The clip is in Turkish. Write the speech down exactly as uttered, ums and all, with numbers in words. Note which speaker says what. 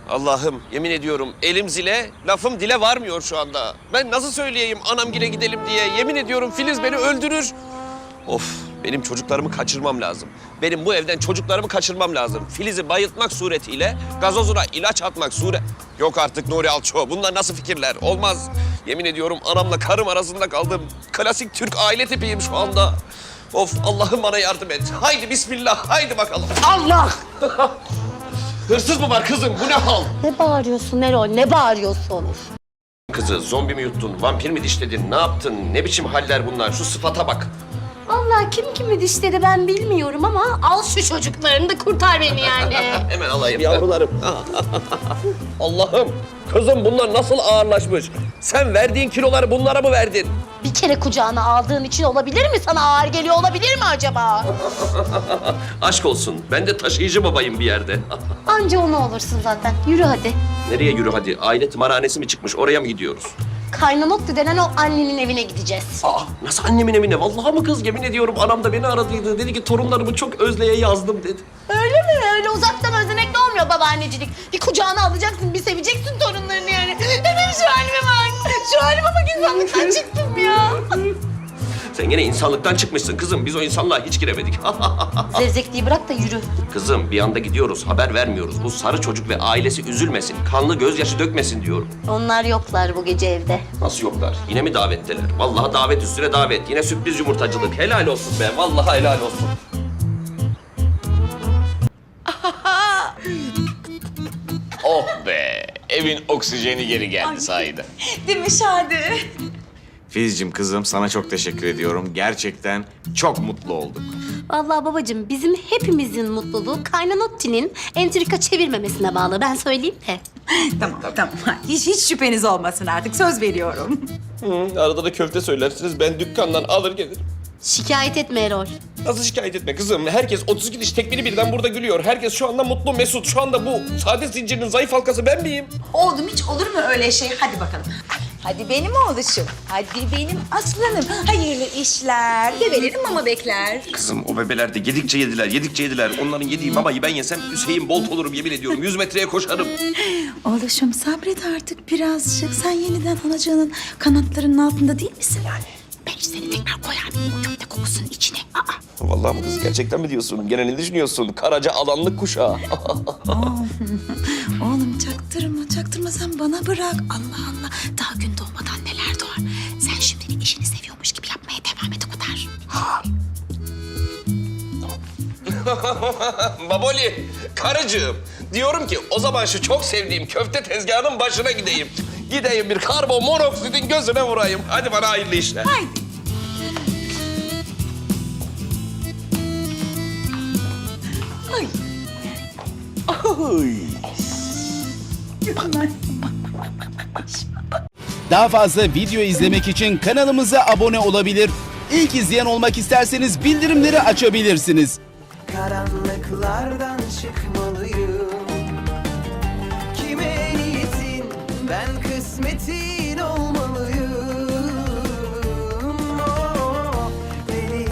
Speaker 1: Allah'ım yemin ediyorum elim zile, lafım dile varmıyor şu anda. Ben nasıl söyleyeyim anamgile gidelim diye? Yemin ediyorum Filiz beni öldürür. Of, benim çocuklarımı kaçırmam lazım. Benim bu evden çocuklarımı kaçırmam lazım. Filiz'i bayıltmak suretiyle gazozuna ilaç atmak sure... Yok artık Nuri Alço, bunlar nasıl fikirler? Olmaz. Yemin ediyorum anamla karım arasında kaldım. Klasik Türk aile tipiyim şu anda. Of, Allah'ım bana yardım et. Haydi bismillah, haydi bakalım. Allah! Hırsız mı var kızım? Bu ne hal?
Speaker 2: Ne bağırıyorsun Erol? Ne bağırıyorsun?
Speaker 1: Kızı zombi mi yuttun, vampir mi dişledin, ne yaptın? Ne biçim haller bunlar? Şu sıfata bak.
Speaker 2: Vallahi kim kimi dişledi ben bilmiyorum ama al şu çocuklarını da kurtar beni yani.
Speaker 1: Hemen alayım yavrularım. Allah'ım, kızım bunlar nasıl ağırlaşmış? Sen verdiğin kiloları bunlara mı verdin?
Speaker 2: Bir kere kucağına aldığın için olabilir mi? Sana ağır geliyor olabilir mi acaba?
Speaker 1: Aşk olsun, ben de taşıyıcı babayım bir yerde.
Speaker 2: Anca onu olursun zaten. Yürü hadi.
Speaker 1: Nereye yürü hadi? Aile tımarhanesi mi çıkmış? Oraya mı gidiyoruz?
Speaker 2: Kaynanottu denen o annenin evine gideceğiz.
Speaker 1: Aa, nasıl annemin evine? Vallahi mı kız? Yemin ediyorum anam da beni aradıydı. Dedi ki torunlarımı çok özleye yazdım dedi.
Speaker 2: Öyle mi? Öyle uzaktan özlemekle olmuyor babaannecilik. Bir kucağına alacaksın, bir seveceksin torunlarını yani. Benim şu halime bak. Şu halime bak, insanlıktan çıktım ya.
Speaker 1: Sen gene insanlıktan çıkmışsın kızım. Biz o insanlığa hiç giremedik.
Speaker 2: Zevzekliği bırak da yürü.
Speaker 1: Kızım bir anda gidiyoruz, haber vermiyoruz. Bu sarı çocuk ve ailesi üzülmesin, kanlı gözyaşı dökmesin diyorum.
Speaker 2: Onlar yoklar bu gece evde.
Speaker 1: Nasıl yoklar? Yine mi davetteler? Vallahi davet üstüne davet. Yine sürpriz yumurtacılık. Helal olsun be. Vallahi helal olsun.
Speaker 3: Oh be! Evin oksijeni geri geldi sahiden.
Speaker 4: Değil mi Şadi?
Speaker 3: Filizciğim kızım sana çok teşekkür ediyorum. Gerçekten çok mutlu olduk.
Speaker 2: Vallahi babacığım bizim hepimizin mutluluğu Kaynanotti'nin entrika çevirmemesine bağlı. Ben söyleyeyim de.
Speaker 4: Tamam, tamam. Hiç, hiç şüpheniz olmasın artık. Söz veriyorum.
Speaker 1: Hı, arada da köfte söylersiniz. Ben dükkandan alır gelirim.
Speaker 2: Şikayet etme Erol.
Speaker 1: Nasıl şikayet etme kızım? Herkes otuz iki diş tekmili birden burada gülüyor. Herkes şu anda mutlu, mesut. Şu anda bu sade zincirinin zayıf halkası ben miyim?
Speaker 4: Oğlum hiç olur mu öyle şey? Hadi bakalım. Hadi benim oğluşum. Hadi benim aslanım. Hayırlı işler. Bebelerim mama bekler.
Speaker 1: Kızım o bebeler de yedikçe yediler, yedikçe yediler. Onların yediği mamayı ben yesem Hüseyin Bolt olurum yemin ediyorum. Yüz metreye koşarım.
Speaker 4: Oğluşum sabret artık birazcık. Sen yeniden anacığının kanatlarının altında değil misin? Yani. Ben seni tekrar koyar mıyım o köfte kokusunun içine? Aa.
Speaker 1: Vallahi mı kız? Gerçekten mi diyorsun? Gene ne düşünüyorsun? Karaca alanlık kuşağı.
Speaker 4: Oğlum çaktırma, çaktırma sen bana bırak. Allah Allah. Daha gün doğmadan neler doğar. Sen şimdi işini seviyormuş gibi yapmaya devam et o kadar.
Speaker 1: Baboli, karıcığım. Diyorum ki o zaman şu çok sevdiğim köfte tezgahının başına gideyim. Gideyim bir karbon monoksidin gözüne vurayım. Hadi bana hayırlı işler.
Speaker 4: Haydi. Ay.
Speaker 5: Daha fazla video izlemek için kanalımıza abone olabilir. İlk izleyen olmak isterseniz bildirimleri açabilirsiniz.
Speaker 6: Karanlıklardan çıkmalı